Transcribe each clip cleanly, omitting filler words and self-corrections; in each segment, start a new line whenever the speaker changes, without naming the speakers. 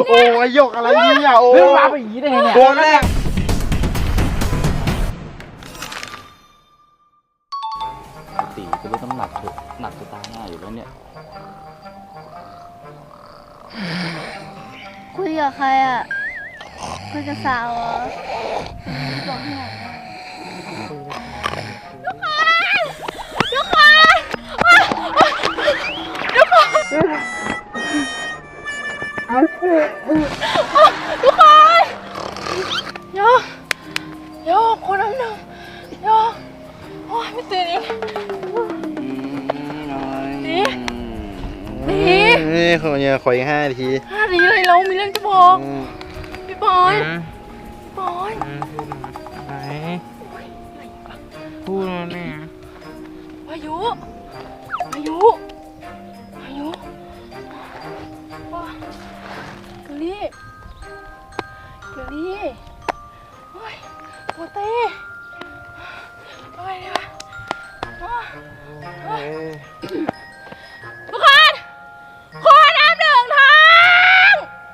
โอ้ยยกอะไรเนี่ยโอ้
เรื่องราวเป็นอย่างนี้ได้ไงเนี่ย
ตัวแรก
ตีจะได้ต้องหนักจะตายง่ายอยู่แล้วเนี่ย
คุยกับใครอ่ะคุยกับสาวเหรอบอกให้หน่อยทุกคนทุกคนโยคนน้ำหนึ่งโยโอ้ยไม่ตื่นอีกดี
นี่คนเนี่ยขออีก5 นาที
5 นาทีเลยเรามีเรื่องจะบอกพี่บอย
ไหนพูดเนี่ย
พายุเกลี่โอ้ยโอเต้อะไรเนี่ยวะทุกคนขอน้ำหนึ่งทาง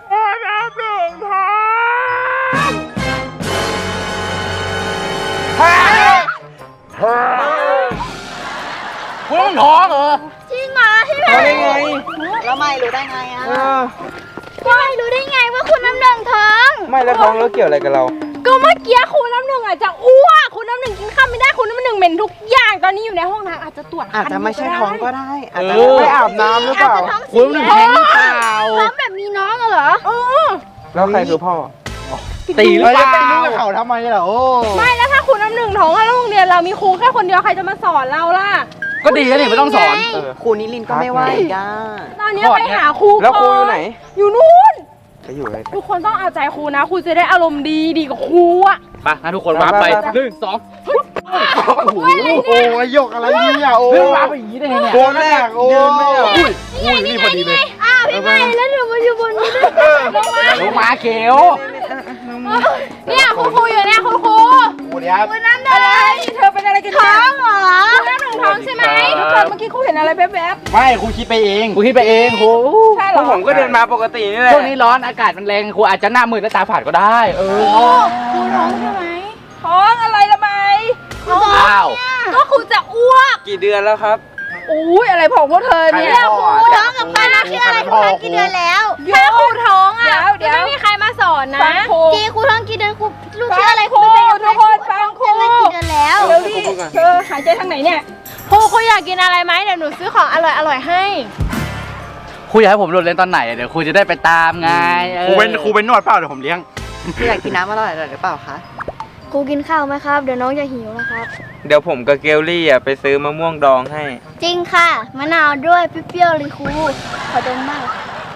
คุณต้องท้องเหรอ
จริงเหรอพี่แพ
ได้ไง
แล้วไม่รู้ได้ไงอ่ะ
ไม่รู้ได้ไงว่าคุณน้ำหนึ่งท้อง
ไม่แล้วท้องแล้วเกี่ยวอะไรกับเรา
ก็เมื่อกี้คุณน้ำหนึ่งอาจจะอ้วกคุณน้ำหนึ่งกินข้าวไม่ได้คุณน้ำหนึ่งเหม็นทุกอย่างตอนนี้อยู่ในห้องน้ำอาจจะตรวจ
อาจจะไม่ใช่ท้องก็ได้อาจจะ
ไม่อาบน้ำหรือเปล่า
คุณต้องแท้งหรือเปล่า
ท้องแบบมีน้องเหรอ
แล้วใครคือพ่อ
ตีหรือเปล่า
ไปรู้กับเขาทำไมล่ะโอ้
ไม่แล้วถ้าคุณน้ำหนึ่งท้องแล้วโรงเรียนเรามีครูแค่คนเดียวใครจะมาสอนเราล่ะ
ก็ดีแล้วนี่ไม่ต้องสอน
ครูนิลินทร์ก็ไม่ไหวก้า
ตอนนี้ไปหาครู
แล้วครูอยู่ไหน
อยู่นู่น
ไปอยู่อะไร
ทุกคนต้องเอาใจครูนะครูจะได้อารมณ์ดีกับครูอะ
ไปงั้นทุกคนวาร์ปไป
ไป
1 2
โอ้ยยกอะไรเนี่ยโอ้
เรื่องราวเป็นอย่างนี้ได้ไงเนี่ย
ตัวแรกโอ้อุ้ยนี่พอดีเลย
อ้าวพี่ไม่แล้วหนูมาอยู่บนนี้ด้วยลงมา
ลงมาเขียว
เนี่ยคุณครูอยู่เนี่ยคุณครู
โอ้เดี๋ยว
คุณน้ำหนึ่งเธอเป็นอะไรกันท้องเหรอคุณน้ำหนึ่งท้องใช่ไหมทุกคนเมื่อกี้ครูเห็นอะไรแวบ
ไม่ครูคิดไปเอง
กูคิดไปเองครู
ๆใช่เหรอ
ผมก็เดินมาปกตินี่แหละ
ช่วงนี้ร้อนอากาศมันแรงครูอาจจะหน้ามืดและตาฝาดก็ได้
ครูท้องใช่ไหมท้องอะไรละไหม
อ้าว
ก็ครูจะอ้วก
กี่เดือนแล้วครับ
อุ้ยอะไรของพวกเธอเนี่ย
ครูท้องกับใครนะชื่ออะไรครูท้องกี่เดือนแล้ว
ถ้าครูท้องอ่ะเดี๋ยวไม่มีใครมาสอนนะจีครูท้องกี่เดือนครูลูกชื่ออะไรครูทุกคนฟังครูกี่เดือนแล้วเดี๋ยวดิเธอหายใจทางไหนเนี่ยครูอยากกินอะไรไหมเดี๋ยวหนูซื้อของอร่อยให้
ครูอยากให้ผมโดดเล่นตอนไหนเดี๋ยวครูจะได้ไปตามไง
ครูเป็นนวดเปล่าเดี๋ยวผมเลี้ยง
พี่อยากกินน้ำอร่อยหรือเปล่าคะ
ครูกินข้าวไหมครับเดี๋ยวน้องจะหิวนะครับ
เดี๋ยวผมกับเกลลี่ไปซื้อมะม่วงดองให้
จริงค่ะมะนาวด้วยเปรี้ยวๆเลยครูขอดมมาก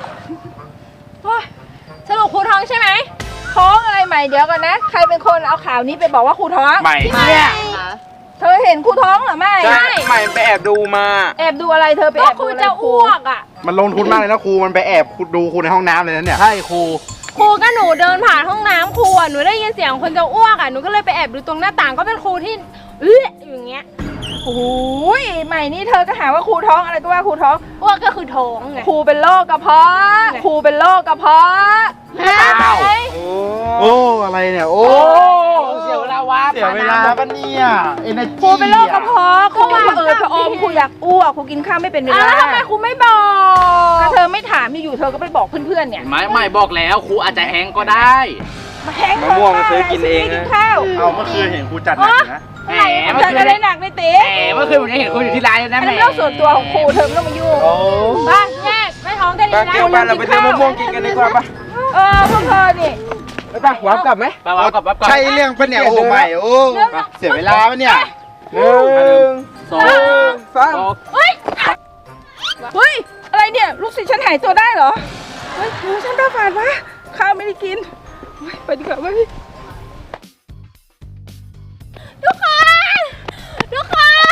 สรุปครูท้องใช่ไหมท้องอะไรใหม่เดี๋ยวก่อนนะใครเป็นคนเอาข่าวนี้ไปบอกว่าครูท้อง
ใหม่
เนี่ยเธอเห็นครูท้องเหรอไม่
ใช่ใหม่ไปแอบดูมา
แอบดูอะไรเธอไปแอบดูอะไรครูจะอ้วกอ่ะ
มันลงทุนมากเลยนะครูมันไปแอบดูครูในห้องน้ำเลยนะเนี่ย
ใช่ครู
ครูก็หนูเดินผ่านห้องน้ำครูอ่ะหนูได้ยินเสียงคนจะอ้วกอ่ะหนูก็เลยไปแอบดูตรงหน้าต่างก็เป็นครูที่อย่างเงี้ยโอ้ยใหม่นี่เธอก็หาว่าครูท้องอะไรก็ว่าครูท้องอ้วกก็คือท้องไงครูเป็นโรคกระเพาะครูเป็นโรคกระเพาะ
อ้าว
โอ้อะไรเนี่ยโอ้
เสียเวลาวาร์ป
เสียเวลาปะเนี่ยเอเนอร์จี
ครูเป็นโรคกระเพาะครูพระอมครูอยากอ้วกครูกินข้าวไม่เป็นเวลาแล้วทำไมครูไม่บอกเธอไม่ถามอยู่เธอก็ไปบอกเพื่อนๆเนี่ย
ไม่บอกแล้วครูอาจจะแฮงก็ได้
มาแห้ง
มะม่วงซื้อกินเอง
กิน
นะ
ข้าว
เอาเมื่อคืนเห็นครูจัดหนักอยู่นะ
แหม
เธ
เมื่อ
อ
คื
จะ
น
ได้หนักในตี
เมื่อคืนผมยังเห็นครูอยู่ที่ร้านเลยนะ
อัน
แหม
นั้นเรื่องส่วนตัวของครูเธอไม่ต้องมายุ่ง
โอ้
บ้านแยกไม่ท้องกัน
ป้าเกลป้าเราไปซื้อมะม่วงกินกันดีกว่าป่ะ
พวกเธอนี่
ไปป่ะวาร์ปกลับไหม
ไปวาร์ปกลับวาร์ปกลับ
ใช่เรื่องปะเนี่ยโอ้ใหม่โอ้เสียเวลาปะเนี่ย
สอง
สาม
เฮ้ยอะไรเนี่ยลูกศิษย์ฉันหายตัวได้เหรอเฮ้ยหูฉันตาฝาดวะข้าวไม่ได้กินไปดีกว่าเว้ยทุกคนทุกคน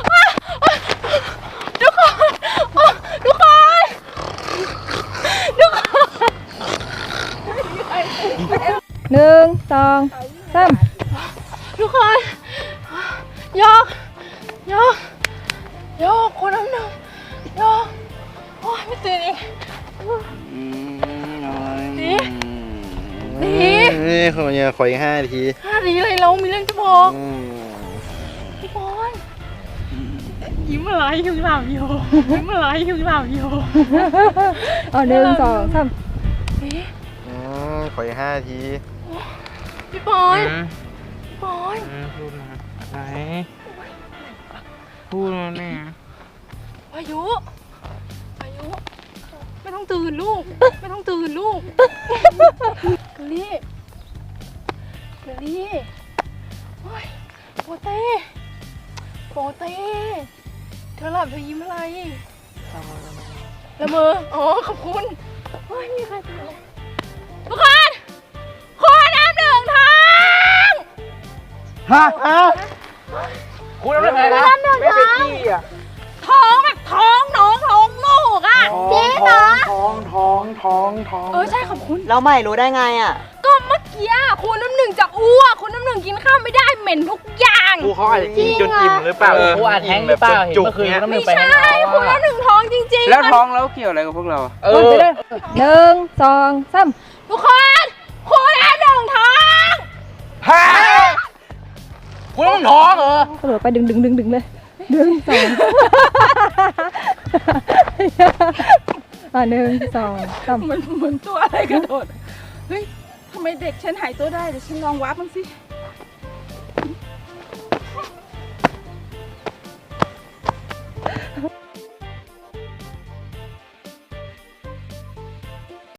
ทุกคนทุกคนทุกคน1 2 3ทุกคนยกคนน้ำหนึ่งยกโอ้ยไม่ตื่นอีกดีนาดนี้เลยเรามีเรื่องจะบอกพี่บอลยิ้มอะไรยิ้มหลับอยู่ยิ้มอะไรยิ้มหลับอยู่
อ๋อ1 2 3
ขออีก5 นาที
พี่บอลพี่บอล
พูดมาไหนพูดมาเนี่ย
พายุไม่ต้องตื่นลูกไม่ต้องตื่นลูกเกลลี่โอ้ยโปเต้เธอหลับเธอยิ้มอะไรละเมออ๋อขอบคุณโอ้ยมีใครตื่นเลยทุกคนขอน้ำ1 ท้อง
ฮะ
พูดอะไรนะไม่ไปขี้อ่ะ
ท้องแบบท้องน้องท้องลูกอ่ะเจ๊เหรอ
ท้อง
ใช่ขอบคุณ
แล้วใหม่รู้ได้ไงอ่ะ
ก็เมื่อกี้คุณน้ำหนึ่งจะอ้วกคุณน้ำหนึ่งกินข้าวไม่ได้เหม็นทุกอย่าง
ครูเขาอาจจะกินจนอิ่มหรือเปล่า
กูอาจแท้งหรือเปล่าเห็นเมื่อคืนน้ำหนึ่
ไม่
งไปแท้
ใช่
ง
คุณน้ำหนึ่งท้องจริงๆ
แล้วท้องแล้วเกี่ยวอะไรกับพวกเรา
1 2 3
ทุกคนคุณน้ำหนึ่งท้อง
คุณต้องท้องเหรอก
ระโดดไปดึงเลย1 2 1 2 3
มันเหมือนตัวอะไรกระโดดเฮ้ยทำไมเด็กฉันหายตัวได้เดี๋ยวฉันลองวับมันสิ